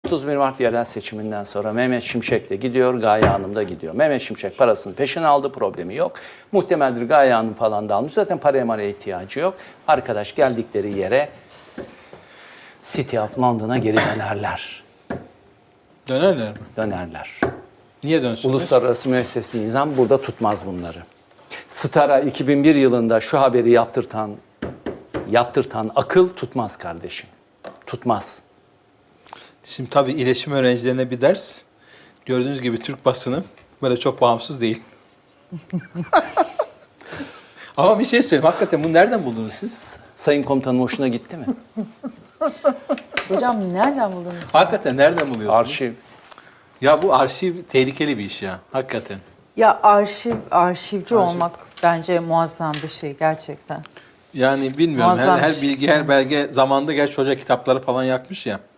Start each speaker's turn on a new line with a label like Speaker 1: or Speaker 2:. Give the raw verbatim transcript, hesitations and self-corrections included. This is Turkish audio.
Speaker 1: otuz bir Mart yerel seçiminden sonra Mehmet Şimşek de gidiyor, Gaye Hanım da gidiyor. Mehmet Şimşek parasını peşine aldı, problemi yok. Muhtemeldir Gaye Hanım falan da almış. Zaten paraya maraya ihtiyacı yok. Arkadaş geldikleri yere City of London'a geri dönerler.
Speaker 2: Dönerler mi?
Speaker 1: Dönerler.
Speaker 2: Niye dönsünler?
Speaker 1: Uluslararası müessesli nizam burada tutmaz bunları. Star'a iki bin bir yılında şu haberi yaptırtan, yaptırtan akıl tutmaz kardeşim. Tutmaz.
Speaker 2: Şimdi tabii iletişim öğrencilerine bir ders. Gördüğünüz gibi Türk basını böyle çok bağımsız değil. Ama bir şey söyleyeyim. Hakikaten bunu nereden buldunuz siz?
Speaker 1: Sayın komutanım hoşuna gitti mi?
Speaker 3: Hocam nereden buldunuz?
Speaker 2: Hakikaten nereden buluyorsunuz?
Speaker 1: Arşiv.
Speaker 2: Ya bu arşiv tehlikeli bir iş ya. Hakikaten.
Speaker 3: Ya arşiv, arşivci olmak bence muazzam bir şey gerçekten.
Speaker 2: Yani bilmiyorum. Her,
Speaker 3: Muazzam
Speaker 2: her
Speaker 3: bir şey.
Speaker 2: bilgi, her belge zamanında gerçi hoca kitapları falan yakmış ya.